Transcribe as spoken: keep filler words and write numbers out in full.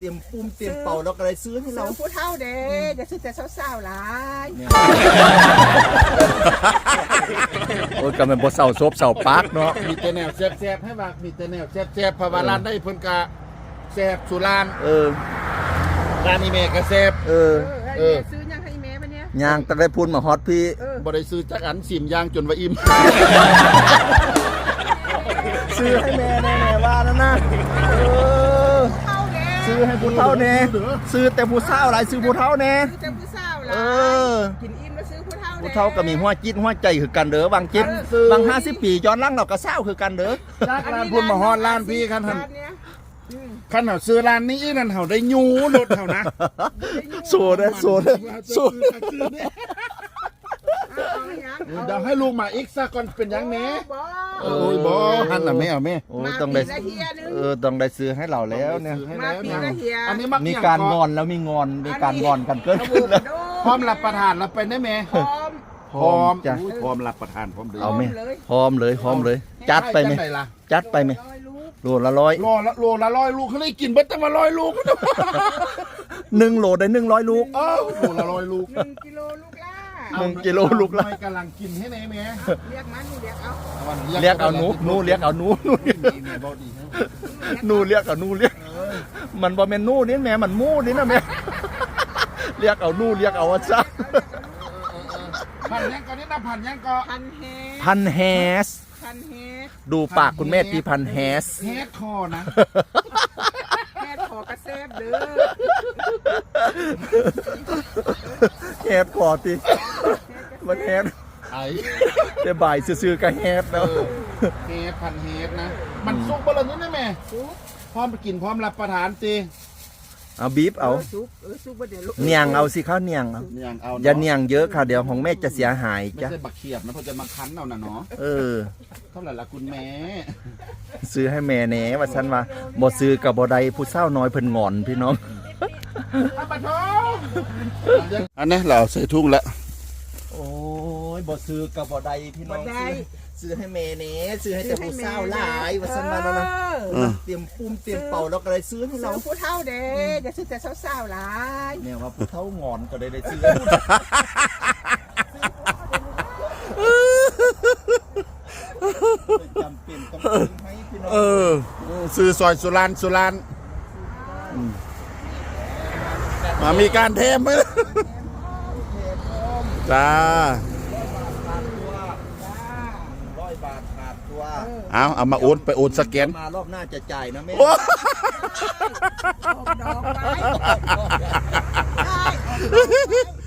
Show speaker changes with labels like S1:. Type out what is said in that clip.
S1: เตรียมปุ้มเตรียมเป่าแล้วก็เลยซื้อให้เรา
S2: ซื้อผู้เฒ่าเด้จะซื้อแต่สาวๆหลาย
S1: โอ้ยก็มันบ่เศร้าซบเศร้าปากเนาะ
S3: มีแต่แนวแซ่บๆให้ว่ามีแต่แนวแซ่บๆเพราะว่าร้านได้เพิ่นกะแซ่บสุราน
S1: เออ
S3: ร้านนี้แม่ก็แซ่บ
S1: เออ
S2: เออ
S3: เออ
S2: ซื้อยังให้แม่ปะเนี่ย
S1: ย่างตะได้พูนมาฮอตพี่
S2: เออ
S3: บ่ได้ซื้อจักอันสิมย่างจนว่าอิ่ม
S1: ซื้อให้แม่แน่ๆว่านั่นนะเออ
S2: ผู้เฒ่าเด้
S1: ซื้อให้ผู้เฒ่าแน่ซื้อแต่ผู้สาวหลายซื้อผู้เฒ่าแน่
S2: ซื้อแต่ผู้สาวหลา
S1: เอย อ
S2: กินอิ่มแล้วซื้อผู้เฒ่า
S1: ผู้เฒ่าก็มีหัวจิตหัวใจคือกันเด้อบางจิตบางห้าสิบปีย้อนหลังเราก็เศร้าคือกันเด้อ
S3: จากร้านพุ่นมาฮอดร้านพี่คันหั่น
S2: ร้านเนี้ยอืม
S3: คันเฮาซื้อร้านนี้อีนั่นเฮาได้ยูรถเฮานะ
S1: โซเด้อโซเด้อโซเด้อ
S2: เอาเอายังเอา
S3: เดี๋ยวให้ลูกมาอีกซะก่อนเป็นหยังแม่
S2: บ่
S3: โอ้ยบ่หั่นน่ะแม่เอาแม่
S1: โอ้ยต้องได้
S2: มาปีละเฮียนึง
S1: เออต้องได้ซื้อให้เราแล้วเนี่ย
S3: ซื้อให้แล้ว
S2: มาปี
S3: นะ
S2: ละเฮีย
S3: อันนี้มัก
S1: มี
S3: เกี่ย
S1: การ
S3: ก่
S1: งอนแล้วมีงอนมีการงอนกันเกิด
S2: อะโว
S1: ขึ้นแล้
S2: คาว โด
S3: พร้อมรับประทานรับไปได้แม่
S2: พร้อม
S3: พร้อม
S1: จ้ะ
S3: อุ้ยพร้อมรับประทานพร้อมเด้
S1: เอาไหม
S2: เลย
S1: พร้อมเลยพร้อมเลย จัดไปไหม
S3: จังล่ะ
S1: จัดไปไหม
S2: ร้อยลูก
S1: โลละร้อย
S3: โลละโลละร้อยลูกเขาได้กินเบิดตั้งมาร้อยลูก
S1: หนึ่งโลได้หนึ่งร้อยลูก
S3: เอ้าโลละร้อยลูก
S2: หนึ่งกิโลลูกล่า
S1: หนึ่งกิโลลูกละ
S3: ไม่กำลังกินให้ไหนแม่
S2: เรียกมันเรียกเอา
S1: เรียกเอาหนูหนูเรียกเอาหนูหนู
S3: แม่บอกดีให้
S1: หนูเรียกเอาหนูเรียกมันบ่แม่นหนูนี่แม่มันหมูนี่นะแม่เรียกเอาหนูเรียกเอาว่าซะ
S3: พันยังก็นี่นะพันยังก็
S2: พันเฮด
S1: พันแฮส
S2: พันเฮด
S1: ดูปากคุณแม่ตีพันแฮส
S3: เฮดคอนะ
S2: แฮดขอกระเซบเด้อ
S1: แฮสคอตีมันแฮส
S3: ไอ้
S1: แต่บ่ายซื่อๆก็แฮส
S3: เอ
S1: แล้ว
S3: อเฮดพันเฮดนะ มันสุกบ่ละนี่นะแม่
S2: ซุก
S3: พร้อมไปกินพร้อมรับประทานสิ
S1: เอาบีบเอา
S2: ซุกเออซุกบ่เดี๋ยวลูก
S1: เนียงเอาสิข้าวเนียงเอา
S3: อย่างเอา
S1: อย่าเนียงเยอะค่ะเดี๋ยวของแม่จะเสียหาย
S3: ไม่
S1: จ้ะ
S3: ใช่บักเขียบนะเพราะจะมาคั้นเอาน่ะเนาะ
S1: เออ
S3: เท่าไหร่ละคุณแม่
S1: ซื้อให้แม่แหน่ว่าฉันว่าบ่ซื้อกับบ่ได้ผู้เฒ่าน้อยเพิ่นงอนพี่น้อง
S3: อาปะทองอันนี้เราใส่ทุ่งแล้ว
S1: โอ้ยบ่ซื้อกับบ่ได้พี่น้องซื้อซื้อให้แม่แหน่ซื้อให้แต่ผู้เฒ่าหลายว่าฉันว่านั่นนะ
S2: เออ
S1: เตรียมปุ้มเตรียมเป่าแล้วก็เลยซื้อให้
S2: ซื้
S1: เรา
S2: อผู้เฒ่าเด้จะซื้อแต่สาวๆหลาย
S1: เนี่ยว่าผู้เฒ่างอนก็ได้ได้ซื้อจำเป็นต้องซื้อให้พี่น้อง
S3: เออซื้อซอยสุรานสุรานมามีการเทมไหมจ้า
S1: ร้อยบาทขาดตัว
S3: เอาเอามาโอนไปโอนสแกน
S1: มารอบหน้าจะจ่ายนะแม่
S2: ออกดอกไว้ได้ออกดอกไว้